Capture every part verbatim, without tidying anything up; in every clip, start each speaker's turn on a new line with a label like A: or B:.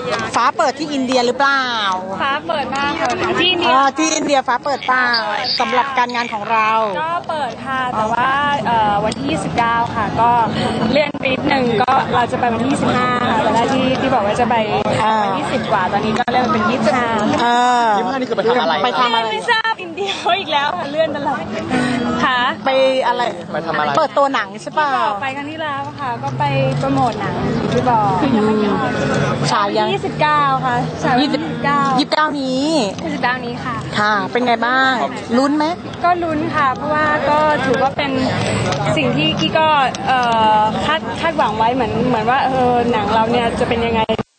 A: ฟ้าเปิดที่อินเดียหรือเปล่า
B: ฟ้าเปิดมากค่ะที่อินเดีย
A: ที่อินเดียฟ้าเปิดเปล่าสำหรับการงานของเรา
B: ก็เปิดค่ะแต่ว่าวันที่ยี่สิบเก้าค่ะก็เลื่อนไปนิดนึงก็เราจะไปวันที่ยี่สิบห้าค่ะแต่แรกที่ที่บอกว่าจะไปวันที่สิบกว่าตอนนี้ก็เลื่อนเป็นยี่สิบห้า
A: เออ
C: ยี่สิบห้านี่คือไปทำอะไร
A: ไปทำอะไร
B: ไม่ทราบอินเดียอีกแล้วค่ะเลื่อนตลอดค่ะ
A: ไปอะไร
C: ไปทำอะไร
A: เปิดตัวหนังใช่ป่ะ
B: ไปครั้งที่แล้วค่ะก็ไปโปรโมทหนังที่บอก
A: ฉายยัง
B: ยี่สิบเก้าค่ะฉาย
A: ยี่สิบเก้ายี่สิบเก้านี้
B: ยี่สิบเก้านี้ค่ะ
A: ค่ะเป็นไงบ้างลุ้นไหม
B: ก็ลุ้นค่ะเพราะว่าก็ถือว่าเป็นสิ่งที่กี้ก็คาดคาดหวังไว้เหมือนเหมือนว่าเออหนังเราเนี่ยจะเป็นยังไง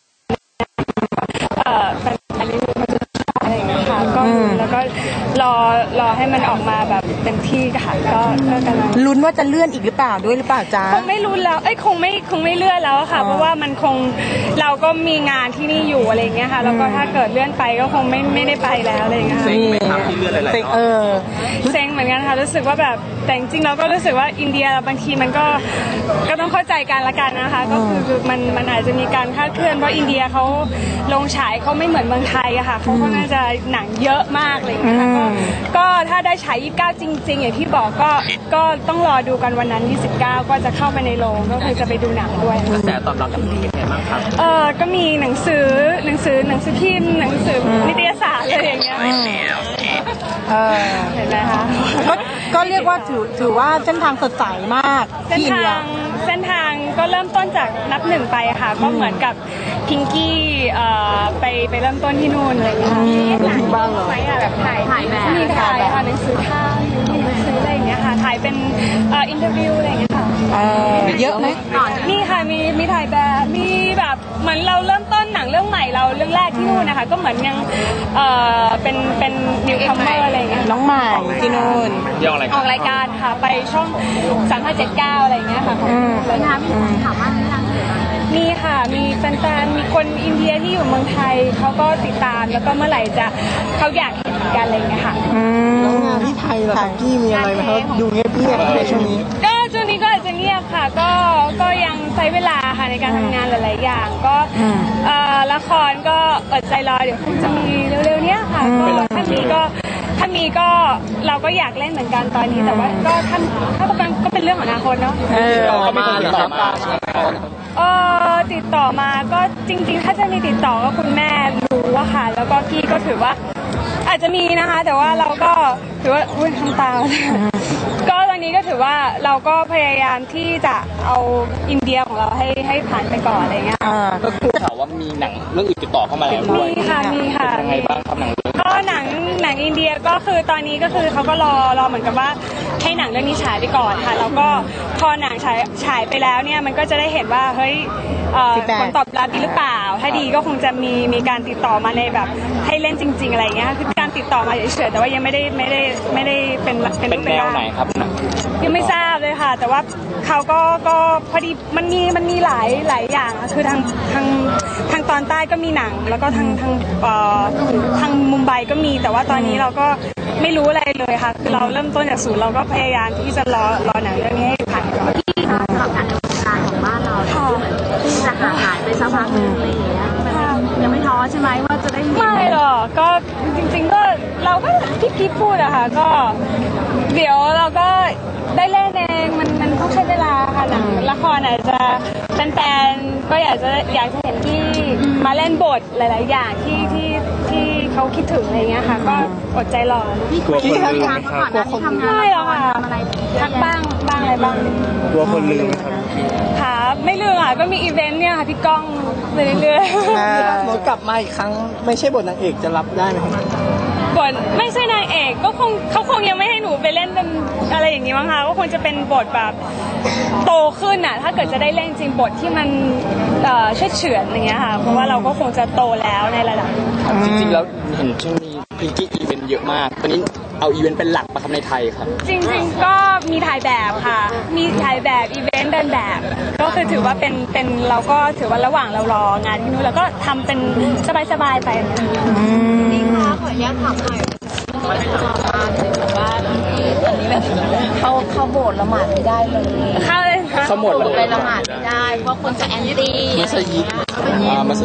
B: เออเป็นอะไรมันจะอะไรอย่างเงี้ยค่ะก็แล้วก็รอรอให้มันออกมาแบบเต็มที่ค่ะก็ก็กำลัง
A: ลุ้นว่าจะเลื่อนอีกหรือเปล่าด้วยหรือเปล่าจ๊ะ
B: คงไม่ลุ้นแล้วเอ้ยคงไม่คงไม่เลื่อนแล้วค่ะเพราะว่ามันคงเราก็มีงานที่นี่อยู่อะไรอย่างเงี้ยค่ะแล้วก็ถ้าเกิดเลื่อนไปก็คงไม่ไม่ได้ไปแล้วอะไรอย่างเงี้ย
C: เซ็งไม่ทำที่เลื่อนอะไร
A: เออ
B: เซ็งเหมือนกันค่ะรู้สึกว่าแบบแต่จริงๆเราก็รู้สึกว่าอินเดียบางทีมันก็ก็ต้องเข้าใจกันละกันนะคะก็คือมันมันอาจจะมีการคลาดเคลื่อนเพราะอินเดียเขาลงฉายเขาไม่เหมือนเมืองไทยอะค่ะเขาก็น่าจะหนังเยอะมากเลยนะคะก็ก็ถ้าได้ฉายยี่สิบเก้าจริงๆอย่างที่บอกก็ก็ต้องรอดูกันวันนั้นยี่สิบเก้าก็จะเข้าไปในโรงก็คือจะไปดูหนังด้วย
C: แต่ตอนเรากับพี่เป็นไงบ้างครับ
B: เออก็มีหนังสือหนังสือหนังสือพิมพ์หนังสือนิตยสารอะไรอย่างเงี้ย
A: เออ
B: เห็นไหมคะ
A: ก็ก็เรียกว่าถือถือว่าเส้นทางสดใสมาก
B: เส้นทางเส้นทางก็เริ่มต้นจากนับหนึ่งไปค่ะก็เหมือนกับพิงกี้ไปไปเริ่มต้นที่นู่นอะไรอย่างเงี้ย
A: ค่ะบ้างเหรอ
B: แบบถ่ายถ่ายแบบมีถ่ายค่ะหนังสือท่าหนังสืออะไรอย่างเงี้ยค่ะถ่ายเป็นอินเทอร์วิวอะไรอย่างเงี้ยค่ะ
A: เยอะไหม
B: มีค่ะมีมีถ่ายแบบมีแบบเหมือนเราเริ่มต้นหนังเรื่องใหม่เราเรื่องแรกที่นู่นนะคะก็เหมือนยังเป็นเป็นนิวคัมเมอร์อะไรอย่างเงี้ย
A: น้องใหม่ที่นู่น
B: ออกรายการค่ะไปช่องสามห้าเจ็ดเก้าอะไรอย่างเงี้ยค่ะ
A: แล้ว
B: นะพี่ถามว่ามีค่ะมีแฟนๆมีคนอินเดียที่อยู่เมืองไทยเขาก็ติดตามแล้วก็เมื่อไหร่จะเขาอยากเห็นกันอะไรอย่างเงี้ยค่ะ
A: แล้วงานที่ไทยล่ะกี้มีอะไรไหมครับดูเงียบๆในช่วงนี้
B: ก็ช่วงนี้ก็อาจจะเงียบค่ะก็ก็ยังใช้เวลาค่ะในการทำงานหลายๆอย่างก็ละครก็อดใจรอเดี๋ยวคงจะมีเร็วๆเนี้ยค่ะก็ถ้ามีก็ถ้ามีก็เราก็อยากเล่นเหมือนกันตอนนี้แต่ว่าก็ถ้าถ้าเป็นก็เป็นเรื่องของอนาคตเนาะ
C: เออมาติดต่อมา
B: เออติดต่อมาก็จริงๆถ้าจะมีติดต่อก็คุณแม่รู้ว่าค่ะแล้วก็กี้ก็ถือว่าอาจจะมีนะคะแต่ว่าเราก็ถือว่าอุ้ยทำตาก็ตอนนี้ก็ถือว่าเราก็พยายามที่จะเอาอินเดียของเราให้ให้ผ่านไปก่อนอะไรเงี้ย
C: ก็คือข่าวว่ามีหนังเรื่องอื่นติดต่อเข้ามาแล้วด้วย
B: มีค่ะมีค่ะ
C: ยังไงบ้างครับหนังเรื่อง
B: ก็หนังหนังอินเดียก็คือตอนนี้ก็คือเขาก็รอรอเหมือนกับว่าให้หนังเรื่องนี้ฉายไปก่อนค่ะแล้วก็พอหนังฉายฉายไปแล้วเนี่ยมันก็จะได้เห็นว่าเฮ้ยผลตอบรับดีหรือเปล่าถ้าดีก็คงจะมีมีการติดต่อมาในแบบให้เล่นจริงๆอะไรเงี้ยคือการติดต่อมาเฉยๆแต่ว่ายังไม่ได้ไม่ได้ไม่ได้เป็น
C: เป็นแนวไหนครับ
B: ยังไม่ทราบเลยค่ะแต่ว่าเขาก็ก็พอดีมันมีมันมีหลายหลายอย่างคือทางทางทางตอนใต้ก็มีหนังแล้วก็ทางทางเอ่อทางมุมไบก็มีแต่ว่าตอนนี้เราก็ไม่รู้อะไรเลยค่ะคือเราเริ่มต้นจากศูนย์เราก็พยายามที่จะรอรอหนังเรื่องนี้ให้ผ่านก่อน
D: ที่สำหรับการดำเนินการของบ้านเราที่จะหาหายไปสักพักนึงอะไรอย่างเงี้ยยังไม่ท้อใช่ไหมว่าจะได้
B: ไม่หรอกก็จริงๆก็เราก็ที่พี่พูดอะค่ะก็เดี๋ยวเราก็ได้เล่นเองมันมันต้องใช้เวลาค่ะหนังละครอาจจะแฟนๆก็อยากจะอยากจะเห็นที่มาเล่นบทหลายๆอย่างที่ที่ที่เขาคิดถึงอะไรเงี้ยค่ะก็อดใจรอ
D: พี่คุยกันทางก่อนนะที่ทำงาน
B: ไม่หรอกค่ะทักบ้างบ้างอะไรบ้าง
C: กลัวคนลืมครับ
B: ค่ะไม่ลืมค่ะก็มีอีเวนต์เนี่ยค่ะพี่ก้องไปเรื่อย
A: ๆหมดกลับมาอีกครั้งไม่ใช่บทนางเอกจะรับได้ไหม
B: บทไม่ใช่นางเอกก็คงเขาคงยังไม่ให้หนูไปเล่นเป็นอะไรอย่างนี้มั้งคะก็คงจะเป็นบทแบบโตขึ้นอ่ะถ้าเกิดจะได้เล่นจริงบทที่มันเชื่อเฉือนอย่างเงี้ยค่ะเพราะว่าเราก็คงจะโตแล้วในระดับ
C: จริงๆแล้วเห็นช่วงนี้พิงกี้อีเวนต์เยอะมากตอนนี้เอาอีเวนต์เป็นหลักมาทำในไทยครับ
B: จริงๆก็มีถ่ายแบบค่ะมีถ่ายแบบอีเวนต์เดินแบบก็คือถือว่าเป็นเป็นเราก็ถือว่าระหว่างเรารองานที่นู้นเราก็ทำเป็นสบายๆไป
D: นี่ค่ะขออนุญาตถามหน่อยว่าอันนี้แบบเข้าเข้าโบสถ์ละหมาดไม่ได้เลย
B: เข้าเลย
C: เข้าหมดเลย
D: ไปละหมาดไม่ได้เพราะคนจะแอนตี้
C: มัสยิดอ่ามัสยิด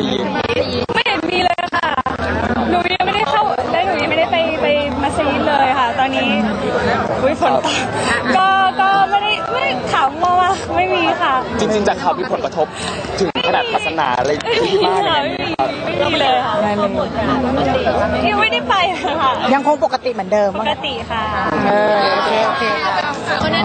B: ไม่เห็นมีเลยค่ะหนูยังไม่ได้เข้าและหนูยังไม่ได้ไปไปมัสยิดเลยค่ะ ตอนนี้อุ้ยฝนตกก็ก็ไม่ได้ไม่ได้ข่าวมั่วว่าไม่มีค่ะ
C: จริงๆจากข่าวมีผลกระทบถึงขนาดศาสนาอะไรที่บ้าน
B: ค่ะ
C: อะไร
B: ไม่
C: อย่าง
B: มี
C: เงี้ยครับ
B: ไม่มีเลยค่ะ
A: ไม่เลย
B: ยังไม่ได้ไปค่ะ
A: ยังคงปกติเหมือนเดิม
B: ปกติค่ะ
A: เออโอเคโอเค
D: วันนั้น